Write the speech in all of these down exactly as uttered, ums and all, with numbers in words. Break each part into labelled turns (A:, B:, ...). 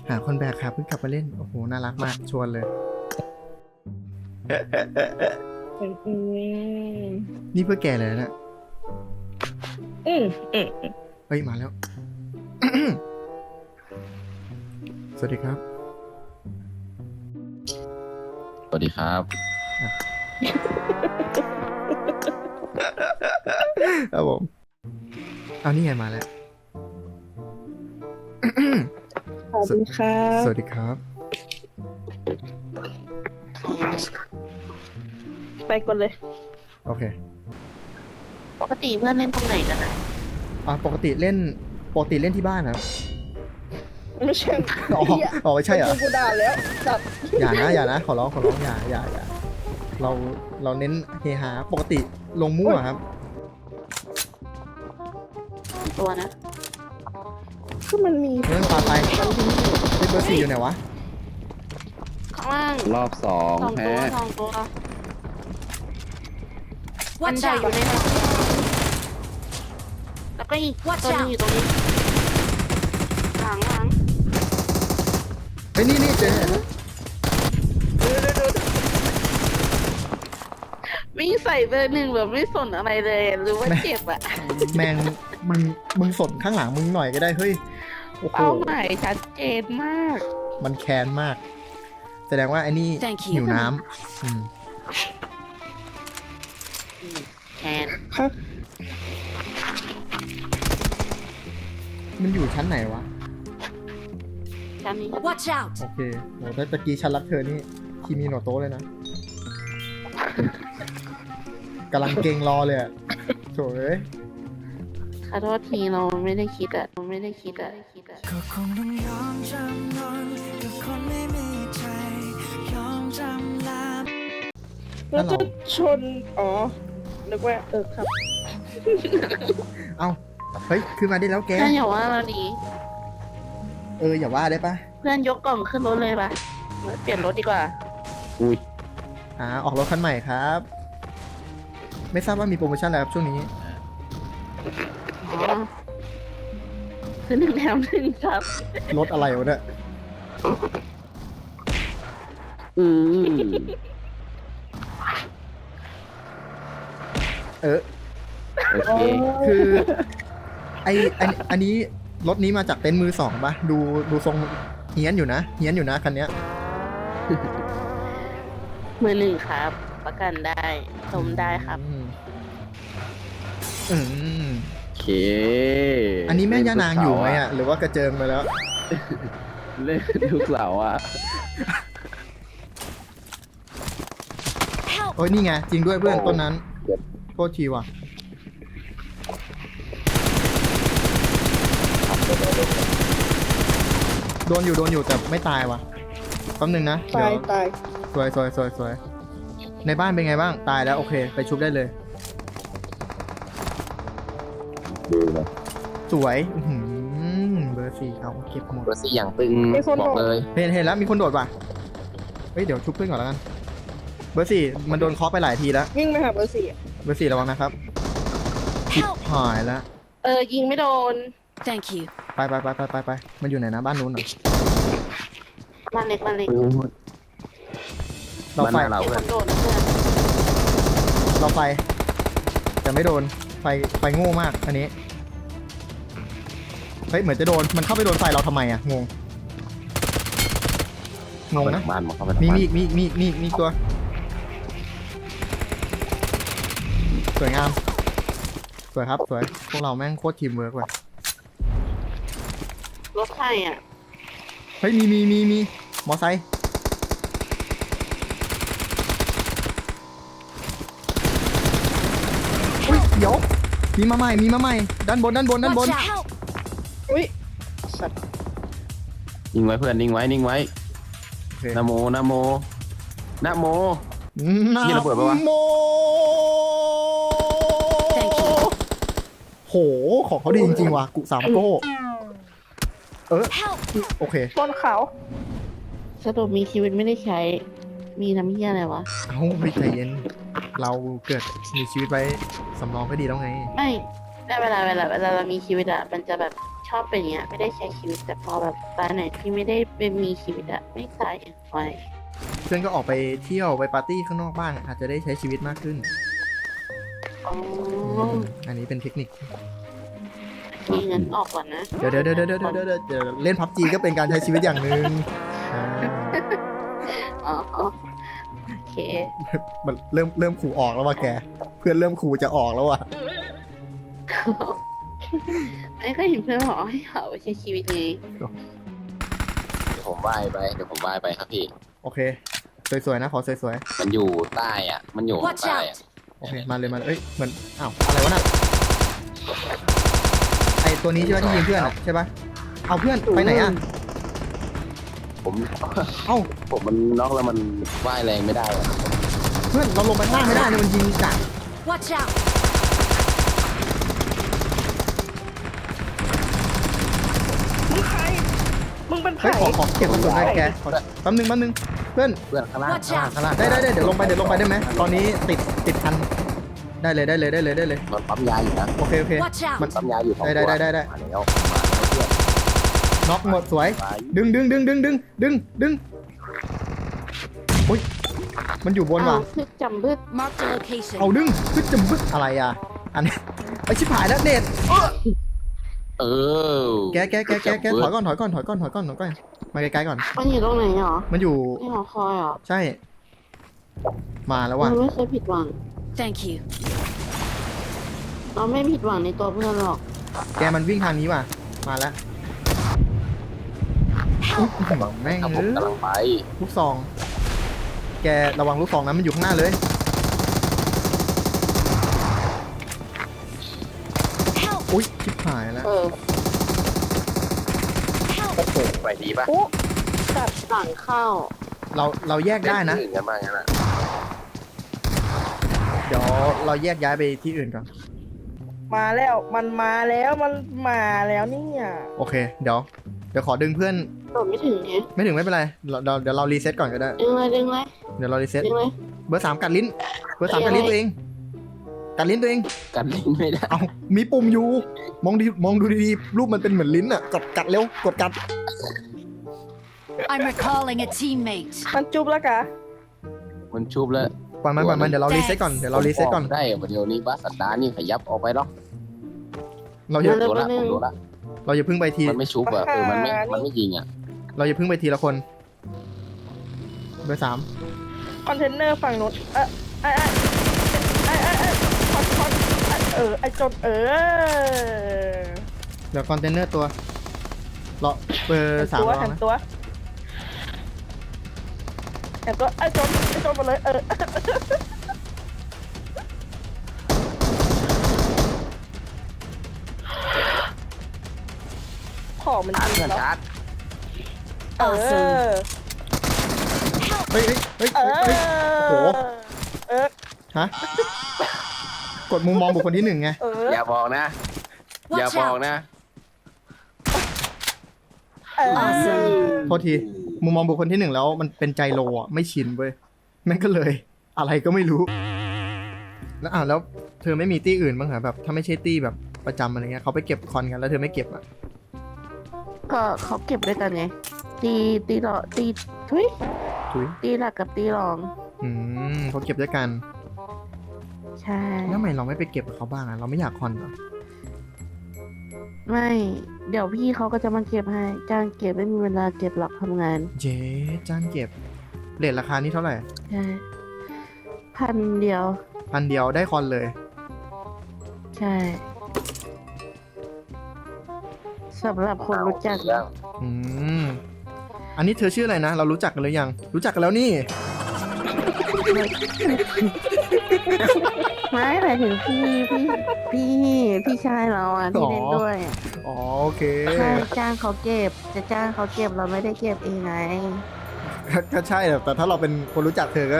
A: หาคนแบกครับเพิ่งกลับมาเล่นโอ้โหน่ารักมากชวนเลย
B: อืม
A: นี่เพื่อแกเลยนะเนี่ย
B: อืมอืม
A: เฮ้ยมาแล้ว สวัสดีครับ
C: สวัสดีครับ
A: ครับผมเอานี่ไงมาแล้ว
B: ขอบคุณครับ
A: สวัสดีครับ
B: ไปก่อนเลย
A: โอเค
D: ปกติเพื่อนเล่นตรงไหนกันนะ
A: อ่าปกติเล่นปกติเล่นที่บ้านนะครับ
B: ไม่ใช่
A: อ๋ออ๋อไม่ใช่เหรอ
B: กูด่าแล้วจับ
A: อย่านะอย่านะขอร้องขอร้องอย่าอย่าอย่าเราเราเน้นเฮฮาปกติลงมั่วครับ
D: ตัวนะ
B: คือมันมี
A: เรื่องปลาไปเล่นเบอร์สี่อยู่ไหนวะ
D: ข้างล่าง
C: รอบสอง
D: สอง
C: แพ้
D: ตัวสองตัวมันได้อยู่ในนั้นแล้วก็อีกตัวนึงอยู่ตรงนี้หลังหลัง
A: เฮ้ยนี่นี่เจอ
D: วิ่งใส่เบอร์หนึ่งแบบไม่สนอะไรเลยหรือว่าเจ็บอะ
A: แมงมึงมึงสนข้างหลังมึงหน่อยก็ได้เฮ้ยโอ้โห
D: เป้าหมายชัดเจนมาก
A: มันแค้นมาก แสดงว่าไอ้นี่
D: Thank you
A: หิวน้ำอืม
D: แทน
B: ครับ
A: มันอยู่ชั้นไหนวะ
D: ชั้นนี้
E: Watch out!
A: โอเคโหถ้าตะกี้ฉันรักเธอนี่คีมีโนโตะเลยนะกำลังเก่งรอเลยอะโถเอ้ย
D: ขอโทษทีเราไม่ได้คิดอะเราไม่ได้คิดอะคิดอะ
F: ก็คงต้องยอมจำนนกับคนไม่มีใจยอมจำลา
B: แล้วจะชน อ๋อ นึกว่า เออครับ
A: เอ้าเฮ้ยขึ้นมาได้แล้วแก
D: เพื่อนอย่าว่าเราดี
A: เอออย่าว่าได้ปะ
D: เพื่อนยกกล่องขึ้นรถเลยปะเปลี่ยนรถดีกว่า
C: อุ้ย
A: อ่าออกรถคันใหม่ครับ ไม่ทราบว่ามีโปรโมชั่นอะไรครับช่วงนี้
D: อ๋อซื้อหนึ่งแถมหนึ่งครับ
A: รถอะไรวะเนี่ย
C: อืม
A: เออ
C: โอเค
A: คือไออันอันนี้รถนี้มาจากเต็นท์มือสองปะดูดูทรงเฮี้ยนอยู่นะเฮี้ยนอยู่นะคันเนี้ย
D: มือหนึ่งครับ ประกันได้ชมได้ครับ
A: อืมอืม
C: โอเค
A: อันนี้แม่ย่านางอยู่ไหมอ่ะหรือว่ากระเจิงไปแล้ว
C: เล่นทุกเสาร์อ่ะ
A: โอ้ยนี่ไงจริงด้วยเพื่อนต้นนั้นโทษทีว่ะโดนอยู่โดนอยู่แต่ไม่ตายว่ะแป๊บนึงนะ
B: ตาย
A: เดี๋ยว
B: ตาย
A: สวยสวยสวยสวยในบ้านเป็นไงบ้างตายแล้วโอเคไปชุบได้เลย
C: ดูเลย
A: สวยอื้อหือเบอร์สี่เอาเก็บหมด
C: เบอร์ซี่อย่างตึงบอกเลย
A: เห็นเห็นแล้วมีคนโดดว่ะเฮ้ยเดี๋ยวชุบเพื่อนก่อนแล้วกันเบอร์สี่มันโดนเคาะไปหลายทีแล้ว
B: วิ่งมาหาเบอร์สี่อะ
A: เบอร์สี่ระวังนะครับชิบหายแล้ว
D: เออ ยิงไม่โดน
E: Thank you.
A: ไปไปไปไปไปไปมันอยู่ไหนนะบ้านนู้นเหรอ
D: มาเล็กมาเล็ก
A: เรา
C: บ้าน
A: ไฟ
C: หน้าเรา
D: มีค
C: เพื่อน
D: นโดนนะเพื่อน
A: เราไฟแต่ไม่โดนไฟไฟโง่มากอันนี้เฮ้ยเหมือนจะโดนมันเข้าไปโดนไฟเราทำไมอะงงงงนะ
C: บ้านมาเข้าไปทาง
A: มี
C: บ้าน
A: มีอีกมีอีกมีอีกมีอีกมีอีกตัวสวยงามสวยครับสวยพวกเราแม่งโคตรทีมเวิร์กว่ะ
D: รถไฟอ่ะ
A: เฮ้ยมีมีมีมีมอไซค์อุ้ยเดี๋ยวมีมาใหม่มีมาใหม่ด้านบนด้านบนด้านบน
E: Watch out!
B: อุ้ย สัตว์
C: นิ่งไว้เพื่อนนิ่งไว้นิ่งไว้
A: โอเค
C: นะโมนะโมนะโม
A: นะ
C: นี่ระเบิดปะวะ
A: โม
E: Thank you.
A: โหของเขาดีจริงๆว่ะกุสามโก้เออ
E: Help!
A: โอเค
B: บนเขา
D: สรุปมีชีวิตไม่ได้ใช้ มีน้ำเหี้ยอะไรวะ
A: เอาไปใจเย็น เราเกิดมีชีวิตไว้สำรองก็ดีแล้วไง
D: ไม่ได้เวลาเวลาเวลาเรามีชีวิตอะมันจะแบบชอบเป็นอย่างเงี้ยไม่ได้ใช้ชีวิตแต่พอแบบตอนไหนที่ไม่ได้เป็นมีชีวิตอะไม่ใส่ไฟ
A: เพื่อนก็ออกไปเที่ยวไปปาร์ตี้ข้างนอกบ้างอาจจะได้ใช้ชีวิตมากขึ้น
D: อ๋อ
A: อันนี้เป็นเทคนิค
D: มีเงินออกก่อนนะ
A: เดี๋ยวเดี๋ยวเดี๋ยวเดี๋ยวเดี๋ยวเดี๋ยวเดี๋ยวเล่นพับจีก็เป็นการใช้ชีวิตอย่างหนึ่งอ่า
D: อ๋อโอเค
A: มันเริ่มเริ่มขู่ออกแล้วว่ะแก เพื่อนเริ่มขู่จะออกแล้วว่ะ
D: ไม่เคยเห็นเพื่อนบอกให้เขาไปใช้ชีวิตไง
C: เดี๋ยวผมว่ายไปเดี๋ยวผมว่ายไปครับพี่
A: โอเค สวยๆนะขอสวย
C: มันอยู่ใต้อ่ะ มันอยู่ข้าง
E: Watch
C: ใต้
E: out
C: อะ
A: ๆโอเคมาเลยมาเลยเอ้ยเหมือนอ้าวอะไรวะน่ะไอตัวนี้ใช่ไหมที่ยิงเพื่อนอ่ะใช่ปะเอาเพื่อนไปไหนอ่ะ
C: ผม
A: เอ้า
C: ผมมันน็อกแล้วมันว่ายแรงไม่ได้อะ
A: เพื่อนเราลงไปข้างล่างไม่ได้เนี่ยมันยิงจาก
E: Watch out!
B: มึงใครมึงเป็นใคร
A: เฮ้ยขอขอเก็บกระสุนหน่อยแกขอแป๊บนึงแป๊บนึงเพื่อน
C: เพื่อนข้างล่าง
E: Watch
C: ข้างล่าง
E: out!
C: ข้างล่าง
A: ได้ได้ได้เดี๋ยวลงไปเดี๋ยวลงไปได้ไหมตอนนี้ติดติดพันได้เลยได้เลยได้เลยได้เลย
C: มันปั๊มยาอยู่นะ
A: โอเคโอเค
E: Watch out!
C: มันปั๊มยาอยู่สอง
A: ได้
C: ตัว
A: ได้ได้ได้
C: มาแล้วมาแล้วเพื่อน
A: น็อกหมดสวย
C: ไป
A: ดึงดึงดึงดึงดึงดึงดึงอุ้ยมันอยู่บน
D: อ้า
A: ว่ะ
D: วพึกจำพึก
E: Marked a location.
A: เอาดึงพึ่จมึกอะไรอ่ะอันนี้ไปชิบหายแล้วเน็ต
C: เออ
A: แกแกแกแกแกถอยก่อนถอยก่อนถอยก่อนถอยก่อนถอยก่อนมาไกลๆก่อน
D: มันอยู่ตรงไหนหรอ
A: มันอยู่
D: ที่หอคอยเหรอ
A: ใช่ มาแล้ว
D: เรา
A: ว่ะ
D: ไม่เคยผิดหวัง
E: Thank you.
D: เราไม่ผิดหวังในตัวเพื่อนหรอก
A: แกมันวิ่งทางนี้ว่ะมาแล้วอุ๊ยแม่ง
C: ครับผ
A: เอ้
C: ม
A: ย
C: กำลังไป
A: ลูกซอง แกระวังลูกซองนะมันอยู่ข้างหน้าเลย
E: Help!
A: อุ้ยชิบหายแล้ว
D: เออ
C: ไปดีป่ะ
B: อู้
D: ตัดหลังเข้า
A: เราเราแยกได้นะ
C: เล่ที่อื่กันบ้างงั้นอ่ะ
A: เดี๋ยวเราแยกย้ายไปที่อื่นก่อน
B: มาแล้วมันมาแล้วมันมาแล้วเนี่ย
A: โอเค เดี๋ยว เดี๋ยวขอดึงเพื่อน
D: โดดไม่ถึงไง
A: ไม่ถึงไม่เป็นไรเราเราเดี๋ยวเรารีเซ็ตก่อนก็ได้
D: ดึงเลยดึงเลย
A: เดี๋ยวเรารีเซ็ต
D: ดึงเลย
A: เบอร์สามกัดลิ้น เบอร์สามกัดลิ้นตัวเอง กัดลิ้นตัวเอง
C: กันลิ้นไม่ได้
A: เอามีปุ่มอยู่ มองดีมองดูดีๆ รูปมันเป็นเหมือนลิ้นอ่ะ กดกัดเร็ว กดกัด
E: I'm recalling a teammate.
B: มันจุบแล้วกะ
C: มันชุบแล้ว
A: ปล่อยมันปล่อยมัน เดี๋ยวเรารีเซ็ตก่อน เดี๋ยวเรารีเซ็ตก่อน
C: ผมได้เดี๋ยวนี้บ้าสัตว์ดานี่ขยับออกไปหรอก
A: เราอย่า
C: โดนละผมโดนละ
A: เราอย่าเพิ่งไปที
C: มันไม่ชุบอ่ะเออมันไม่มันไม่ยิงอ่ะ
A: เราอย่าเพิ่งไปทีละคน เบอร์สาม
B: คอนเทนเนอร์ฝั่งนู้นเออไอ้ไอ้ไอ้ไอ้คอนคอนเออไอ้จนเออ
A: เดี๋ยวคอนเทนเนอร์ตัวรอเบอร์สาม
B: ตัว
A: รอ
B: หัน
A: นะ
B: ตัวหันตัวไอ้จนไอ้จนมาเลยเออของมัน
C: ชาร์จ
B: ดี
C: เพื่อน
B: แล้ว
C: ชาร์จ
B: เออ
A: เฮ้ยเฮ้ยเฮ้ย
B: เอ
A: เฮ้ย
B: อ
A: โอ้โห
B: เออ
A: ฮะ กดมุมมองบุคคลที่หนึ่งไง
B: เออ
C: อย่าบอกนะ อย่า
E: Watch
C: บอก
E: out!
C: นะ
B: เออ
A: โทษที มุมมองบุคคลที่หนึ่งแล้วมันเป็นใจโลอ่ะ ไม่ชินเว้ย แม่งก็เลย อะไรก็ไม่รู้ แล้วอ่ะแล้วเธอไม่มีตี้อื่นบ้างเหรอแบบ ถ้าไม่ใช่ตี้แบบประจำอะไรเงี้ยเขาไปเก็บคอนกันแล้วเธอไม่เก็บอ่ะ
D: ก็เขาเก็บด้วยกันไง ตีตีหลอตีทุย
A: ถุย
D: ตีหลักกับตีรอง
A: อืมเขาเก็บด้วยกัน
D: ใช่
A: แล้วทำไมเราไม่ไปเก็บกับเขาบ้างอ่ะ เราไม่อยากคอนเหรอ
D: ไม่ เดี๋ยวพี่เขาก็จะมาเก็บให้ จ้างเก็บไม่มีเวลาเก็บหรอกทำงาน
A: เจ๊จ้างเก็บเรทราคานี่เท่าไหร่
D: ใช่ พันเดียว
A: พันเดียวได้คอนเลย
D: ใช่สำหรับคนรู้จัก
C: ยัง
A: อืม อันนี้เธอชื่ออะไรนะ เรารู้จักกันหรือยัง รู้จักกันแล้วนี่
D: ไม่หมายถึงพี่พี่พี่พี่ชายเราอ่ะที่เล่นด้วย
A: อ๋อโอเค
D: ใช่จ้างเขาเก็บ จะจ้างเขาเก็บเราไม่ได้เก็บเองไง
A: ก็ก็ใช่แต่แต่ถ้าเราเป็นคนรู้จักเธอก็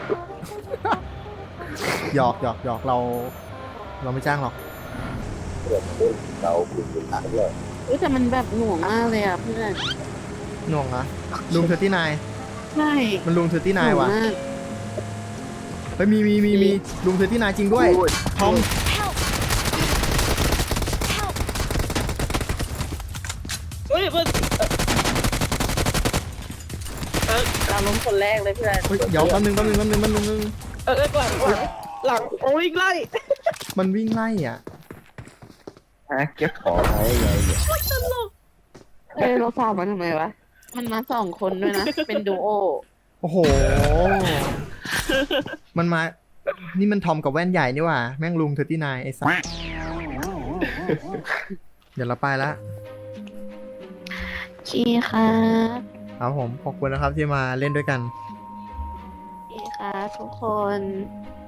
A: หยอกหยอกหยอกเรา เราไม่จ้างหรอก
C: เราคุยกันหลังเลย
D: เอ้ยแต่มันแบบหน่วงมากเลยอ่ะเพื่อน
A: หน่วงนะลุงเธอที่นาย
D: ใช่
A: มันลุงเธอที่
D: ห
A: นาย
D: น่วง
A: ว่ะ
D: มาก
A: เฮ้ยมีมีมีมีลุงเธอที่นายจริงด้วยทอม
E: Help! Help!
B: าล้มคนแรกเลยเพื่อน
A: เฮ้ยเดี๋ยวแป๊บนึงแป๊บนึงแป๊บนึงแป๊บนึงแป๊บนึง
B: เออเออหลังหลังหลังโอ้ยไล่
A: มันวิ่งไล่อ่ะ
C: ฮะเก็บของไว้ไงเนี่ย
D: เอ้ยเราสาวมาทำไมวะ มันมาสองคนด้วยนะ เป็นดูโอ
A: โอ้โห มันมา นี่มันทอมกับแว่นใหญ่นี่หว่า แม่งลุงเทอร์ตี้นายไอ้สัสเดี๋ยวเราไปละ
D: ชีครับ
A: ครับผม ขอบคุณนะครับที่มาเล่นด้วยกัน
D: ชีครับทุกคน
A: ค